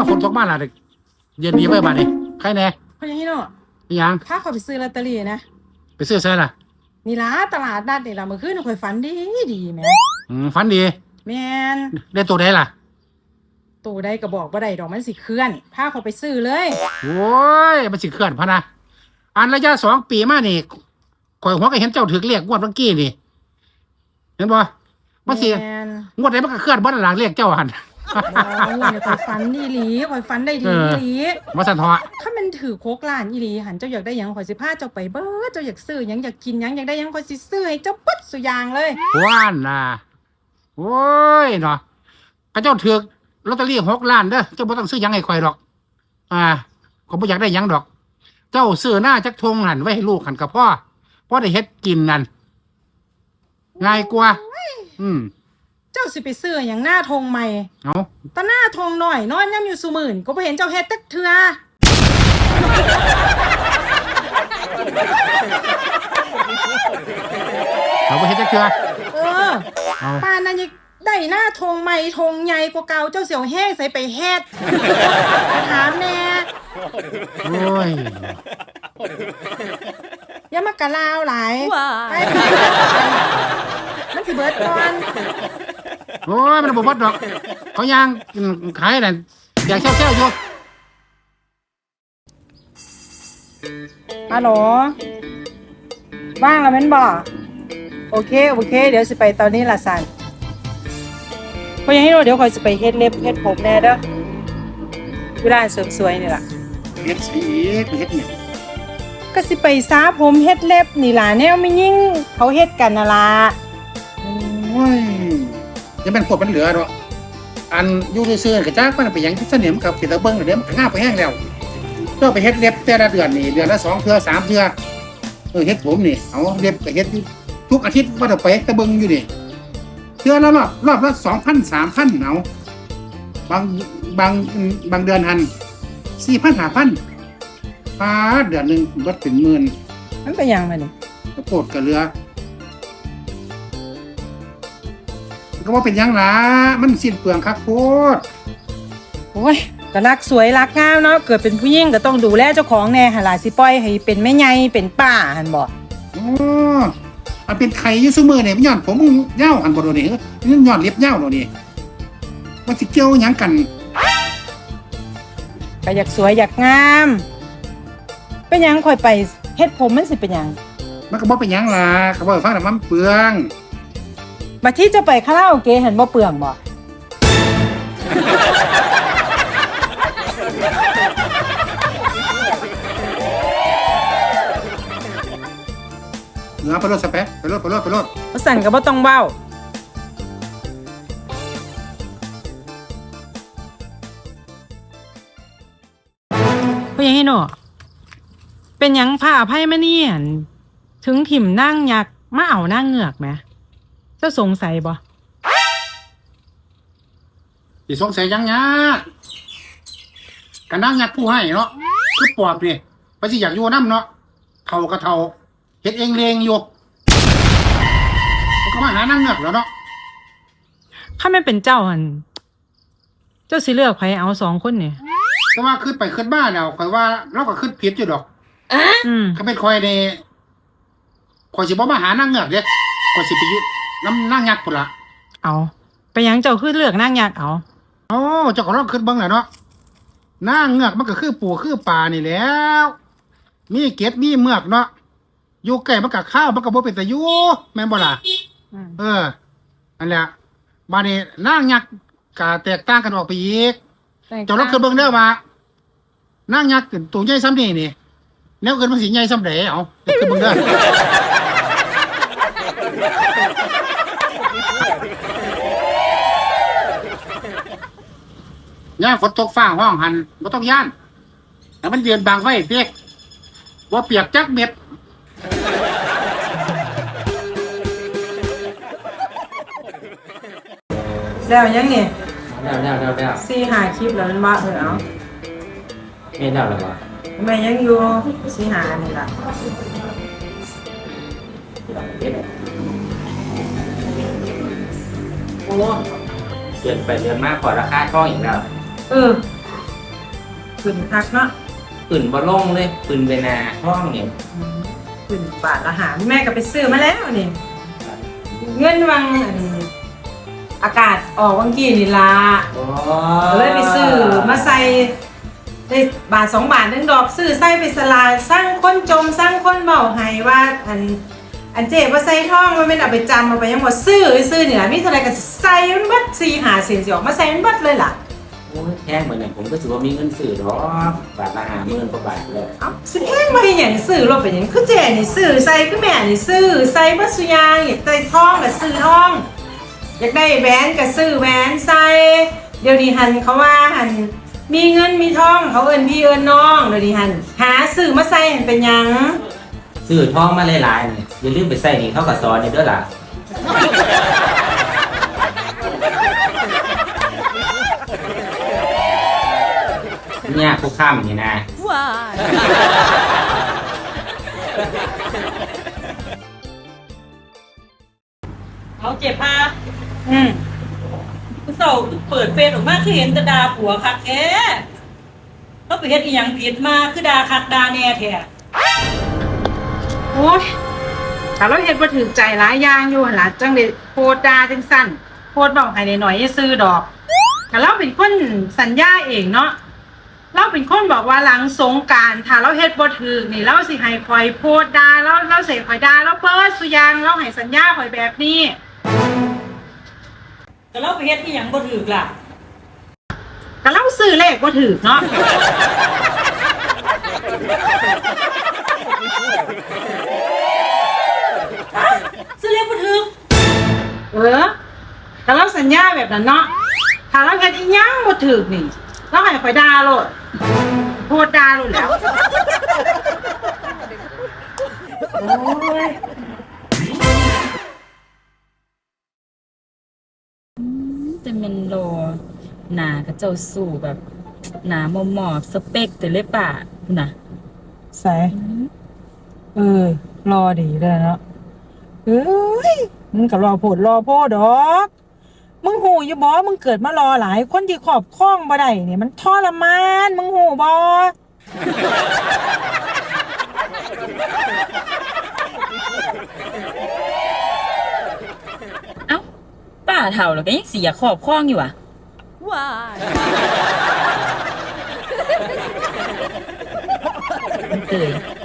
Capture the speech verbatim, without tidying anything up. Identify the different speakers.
Speaker 1: ฝนตกมาล่ะเด็กเย็นดีไปบ้านนี่ใครแน่
Speaker 2: เพราะอย่างนี้เนาะ
Speaker 1: ยัง
Speaker 2: ถ้าเขาไปซื้อลอตเตอรี่นะ
Speaker 1: ไปซื้อเสื้อล่ะ
Speaker 2: นี่ล่ะตลาดนัดนี่ล่ะเมื่อคืนข่อยฝันดีดีแหม
Speaker 1: อืมฝันดี
Speaker 2: แม่น
Speaker 1: ได้ตัวใดล่ะ
Speaker 2: ตัวใดก็บอกบ่ได้ดอกมันสิเคลื่อนพาเขาไปซื้อเลย
Speaker 1: โอ้ยมันสิเคลื่อนพะนะอันระยะสองปีมานี่ข่อยหัวก็เห็นเจ้าถือเรียกงวดเมื่อกี้นี่เห็นบ่มันสิงวดไหนมันก็เคลื่อนบ่หลังเรียกเจ้าหัน
Speaker 2: โอ้ยข่อยฝันดีหลีข่อยฝันได้ดีอีหลี
Speaker 1: มาสั่นทอ
Speaker 2: ถ้ามันถือโคกล้านอีหลีหันเจ้าอยากได้หยังข่อยสิพาเจ้าไปเบิดเจ้าอยากซื้อหยังอยากกินหยังอยากได้หยังข่อยสิซื้อให้เจ้าปึ๊ดสุอย่างเลย
Speaker 1: ว่านน่ะโอ้ยเนาะกระเจ้าถือลอตเตอรี่หกล้านเด้อเจ้าบ่ต้องซื้อหยังให้ข่อยดอกอ่าผมบ่อยากได้หยังดอกเจ้าซื้อหน้าจักทงหันไว้ให้ลูกหันกับพ่อพ่อได้เฮ็ดกินนั่นง่ายกว่าอืม
Speaker 2: เจ้าสิไปซื้อหยังหน้าทงใหม่
Speaker 1: เอ้า
Speaker 2: ตาหน้าทงหน่อยนอนย่ำอยู่ซุมื่นก็บ่เห็นเจ้าเฮ็ดจักเทื่อ
Speaker 1: เขาบ่เฮ็ดจักเทื่อ
Speaker 2: เออป้านนั้นยังได้หน้าทงใหม่ทงใหญ่กว่าเก่าเจ้าเสี่ยวแห้งใส่ไปเฮ็ดถามแน่
Speaker 1: โอ้ย
Speaker 2: อย่ามากะลาวหลายไปมันสิเบิดก่อน
Speaker 1: โอ้ยมันบ่เบิดดอกเขาย่างขายนั่นอยากเช่าๆอยู่
Speaker 2: ฮัลโหลว่างแล้วแม่นบ่โอเคโอเคเดี๋ยวสิไปตอนนี้ล่ะสันเพราะยังให้เราเดี๋ยวคอยสิไปเฮ็ดเล็บเฮ็ดผมแน่เด้อเวลาเสริมสวยนี่ล่ะ
Speaker 1: เฮ็ดสิไปเฮ็ดเนี่ย
Speaker 2: ก็สิไปซาผมเฮ็ดเล็บนี่ล่ะแนวไม่ยิ่งเขาเฮ็ดกันน่ะล่ะ
Speaker 1: โอ้ยยังเป็นพวกมันเหลือดอกอันอยู่ซื่อๆก็จักมันไปหยังที่เสนียมกับปิดตะเบิ่งเดี๋ยวมันก็งาไปแห้งแล้วเจ้าไปเฮ็ดเล็บแต่ละเดือนนี่เดือนละสองเทื่อสามเทื่อเออเฮ็ดผมนี่เอาเล็บก็เฮ็ดทุกอาทิตย์ว่าจะไปตะเบิ่งอยู่นี่เทื่อละรอบรอบละสองพันสามพันเอาบางบางบางเดือนหันสี่พันห้าพันปาเดือนหนึ่งเบิดเป็นหมื่น
Speaker 2: มันเป็นยังไงนี่
Speaker 1: ก็โกรธกับเรือก็ว่าเป็นยังล่ะมันสิ้นเปลืองคักโพด
Speaker 2: โอ้ยก็รักสวยรักงามเนาะเกิดเป็นผู้หญิงก็ต้องดูแลเจ้าของแน่หั่นล่ะสิปล่อยให้เป็นแม่ใหญ่เป็นป้าหั่นบ่
Speaker 1: อ๋อมันเป็นไข่อยู่ซุมื้อนี่มันย้อนผมมึงยาวหั่นบ่โดนี่มันย้อนเล็บยาวโดนี่มันสิเกี่ยวหยังกัน
Speaker 2: ก็อยากสวยอยากงามเป็นหยังค่อยไปเฮ็ดผมมันสิเป็นหยัง
Speaker 1: มันก็บ่เป็นหยังล่ะก็บ่ฟังแต่มันเปลือง
Speaker 2: บัดที่จะไปคาราโอเกะเห็นบ่เปลืองบ่
Speaker 1: เนื้อไปรถสเปะไปรถไปรถไปรถ
Speaker 2: บ่สั่นก็บ่ต้องเว้าเพราะหยังให้เนาะเป็นหยังผ้าอภัยมานี่หั่นถึงถิ่มนางยักษ์มาเอานางเงือกแหมเจ้าสงสัยบ่
Speaker 1: สิสงสัยยังยะกันนางยักษ์ผู้ให้เนาะคือปอบนี่ไปสิอยากอยู่นำเนาะเฒ่าก็เฒ่าเฮ็ดเองเลงอยู่ก็มาหานางเงือกแล้วเนาะ
Speaker 2: ถ้าแม่เป็นเจ้าหั่นเจ้าสิเลือกไผเอาสองคนนี่
Speaker 1: ก็ว่าขึ้นไปขึ้นบ้านแล้วข่อยว่าเราก็ขึ้นผิดอยู่ดอกอืมก็เป็นข่อยนี่ข่อยสิบ่มาหานางเงือกเด้ข่อยสิไปอยู่นำนางยักษ์พุ่นล่ะ
Speaker 2: เอาไปหยังเจ้าคือเลือกนางยักษ์เอา
Speaker 1: โอ้เจ้าก็ลองขึ้นเบิ่งแหละเนาะนางเงือกมันก็คือปูคือปลานี่แหล้วมีเกล็ดมีเมือกเนาะอยู่ใกล้มันก็ข้าวมันก็บ่เป็นตาอยู่แม่นบ่ล่ะเอออันแหละบัดนี้นางยักษ์ก็แตกต่างกันออกไปอีกเจ้าลองขึ้นเบิ่งเด้อว่านางยักษ์ตัวใหญ่ซ้ำนี่นี่แนวเกินมันสิใหญ่ซ้ำใดเอาขึ้นเบิ่งเด้อย่าฝนตกฟ้าห้องหันบ่ต้องย่านแต่มันยืนบังไว้เด็กบ่เปียกจักเม็ด
Speaker 2: แล้วยังนี่
Speaker 3: แล้วแล้วแล้วแล้ว
Speaker 2: สี่ห้าคลิปแล้วมันว่าเออเอา
Speaker 3: ไม่แล้วหรอวะ
Speaker 2: แม่ยังอยู่สี่ห้านี่ล่ะ
Speaker 3: โอ้เปลี่ยนไปเดือนมากกว่าราคาช่องอีกแล้ว
Speaker 2: เออขึ้นคักเนาะ
Speaker 3: ปืนบอลงเลยปืนเวนาห้องเนี่ย
Speaker 2: ขึ้นบาทละหาแม่ก็ไปซื้อมาแล้วนี่เงินวังอันอากาศออกวังกี้นี่ล่ะ
Speaker 3: โอ้
Speaker 2: เลยไปซื้อมาใส่ได้บาทสองบาทนึงดอกซื้อใส่ไปสลายสร้างคนจมสร้างคนเบาให้ว่าอันอันเจ็บว่าใส่ท่องมันไม่เอาไปจำเอาไปยังหมดซื้อซื้อเนี่ยมีเท่าไรก็ใส่มันบัดสี่หาเสียงสิออกมาใส่มันบัดเลยล่ะ
Speaker 3: โอ้ยแพงเหมือนเนี่ยผมก็ถือว่ามีเงินสื่อหรอกบาทละห้าหมื่นกว่าบาทเลย
Speaker 2: เอ้าซื้อแห้งมาอย่างซื้อรถไปอย่างคือเจนี่ซื้อใส่คือแม่นี่ซื้อใส่บัดสุยางอยากได้ท่องก็ซื้อท่องอยากได้แหวนก็ซื้อแหวนใส่เดี๋ยวนี้หันเขาว่าหันมีเงินมีทองเขาเอินพี่เอินน้องเดี๋ยวนี้หันหาซื้อมาใส่หันเป็นหยัง
Speaker 3: ซื้อทองมาหลายๆเนี่ยอย่าลืมไปใส่นี่เขากับซอนนี่ด้วยล่ะเนี่ยคุกข้ามนี่นะ
Speaker 4: เอาเจ็บพา
Speaker 2: อืม
Speaker 4: คุณเสาเปิดเฟซออกมาคือเห็นแต่ดาผัวคักแท้เขาไปเฮ็ดอีหยังผิดมาคือดาคักดาแน่แท้
Speaker 2: โอ้ยถ้าเราเห็นว่าถือใจหลายอย่างอยู่หั่นล่ะจังเลยโพดดาจังสั้นโพดบอกให้หน่อยๆซื้อดอกแต่เราเป็นคนสัญญาเองเนาะเราเป็นคนบอกว่าหลังสงกรานต์ถ้าเราเฮ็ดบ่ถูกนี่เราสิให้คอยโพดดาแล้วเราสิคอยดาแล้วเปิดสุยางเราให้สัญญาคอยแบบนี้
Speaker 4: แต่เราไปเฮ็ดอีหยังบ่ถูกล่ะ
Speaker 2: ก็เราซื้อเลขบ่ถูกเนาะ
Speaker 4: ซื้อเลขบ่ถูก
Speaker 2: เออก็เราสัญญาแบบนั้นเนาะถ้าเราเฮ็ดอีหยังบ่ถูกนี่เราให้คอยดาโลดโพดดาโลดแล้ว
Speaker 4: โอ้ย
Speaker 5: แต่แมันโลหนากับเจ้าสู่แบบหนาหมอหมอบสเปกแต่เลยป่ะคุณน่ะ
Speaker 2: ใส่เออ รอดีเลยเนาะเอ้ยมึงก็รอโพดรอโพดดอกมึงหูอยู่บ่มึงเกิดมารอหลายคนที่ขอบคล้องบ่ได้เนี่ยมันทรมานมึงหูบ่
Speaker 5: เอ้าป้าเถ่าแล้วก็ยังเสียขอบคล้องอยู่อ่ะมันเตย